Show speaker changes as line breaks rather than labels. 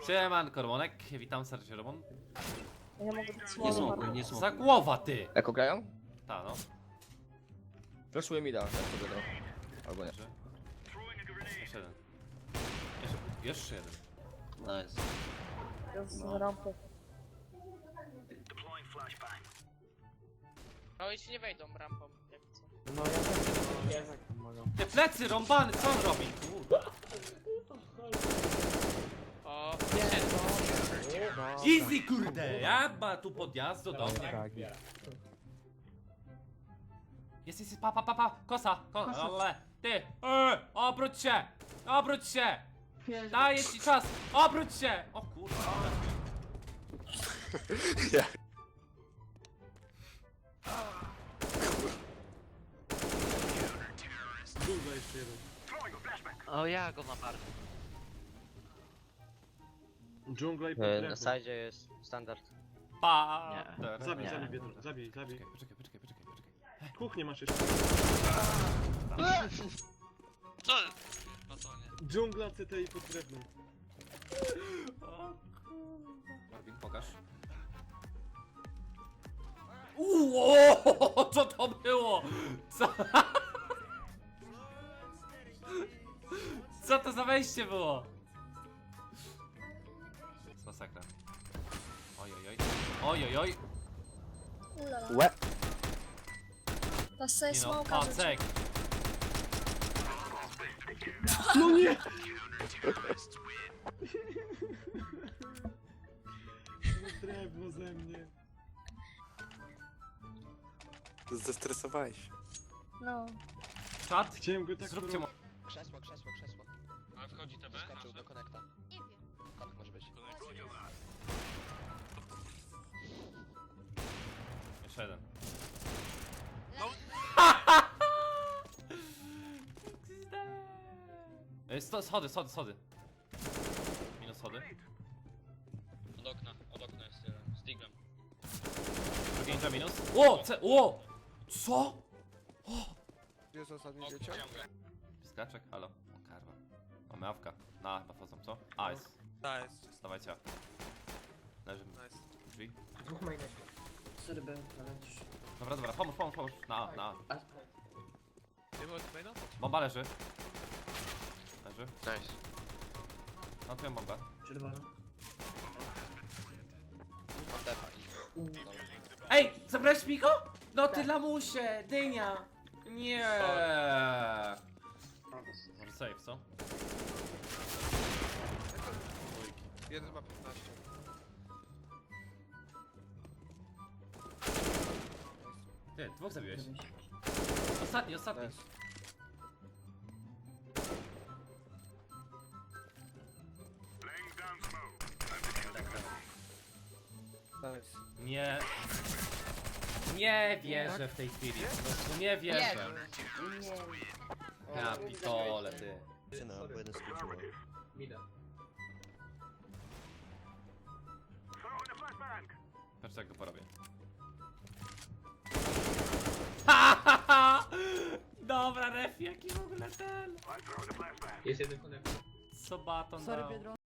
Siemanko, Romonek, witam serdecznie, Romon.
Ja mogę być
Nie
słabo.
smokuj, nie
Za
smokuj.
głowa, ty!
Eko grają?
Ta, no.
Flashuję mi da, jak to będą. Albo nie.
Jeszcze jeden. Jeszcze jeden.
Nice.
Jest z rampy.
No i ci nie wejdą rampą, jak co.
No ja tak pomagam.
Te plecy rąbany, co on robi? Kurde.
O,
Easy, kurde! Ja ma tu podjazd do mnie.
Tak,
Jest, pa, kosa, ale, ty, obróć się, obróć się! Daję ci czas, obróć się! O kurwa,
Dżungla jeszcze jeden.
O, ja go mam bardzo.
Dżungla i
Na
podrębu.
sajdzie jest standard.
pa!
Zabij,
Nie.
zabij, Biedron, zabij, zabij.
Poczekaj.
Kuchnię masz jeszcze.
Co? No to nie.
Dżungla, CT i pod drewnem.
Marvin, pokaż. Uuu, co to było? Co? Co to za wejście było? Z masakra. Ojojoj.
Ulala.
Łe!
Ta sobie
Nie no,
smoka rzuci.
pacek.
No nie! Drewno ze mnie.
Zestresowałeś się.
No.
Czad?
Chciałem go tak
Zróbcie mu...
Krzesło.
A wchodzi TB?
Skoczył do konekta.
Nie wiem.
Konek może być.
Jeszcze jeden. Schody. Minus schody.
Od okna jest jeden. Z diglem.
Drugi ninja minus. O! Co?
Jest ostatni dzieciak?
Piskaczek? Halo? O karwa. Mamy awka. Na, chyba wchodzą, co? A, jest.
Nice,
Stawajcie awka. Leży
nice.
drzwi.
Dwóch mainów. Serby, ale też...
Dobra, pomóż. Na.
Nie było tutaj no?
Bomba leży.
Nice.
Mam twoją bombę.
Czerwona.
Mam defa.
Ej! Zabrałeś mi go? No ty lamusie! Dynia! Nie. Może save, co?
Jeden ma 15.
Ty, dwóch zabiłeś. Ostatni.
Nice. Nice.
Nie. Nie wierzę w tej chwili. Po prostu nie wierzę. Ja pitole, ty.
Bo jeden skrócił.
Mida.
Patrz jak go porobię. Dobra, ref, jaki w ogóle ten.
Jest jeden konektor.
Co baton dał?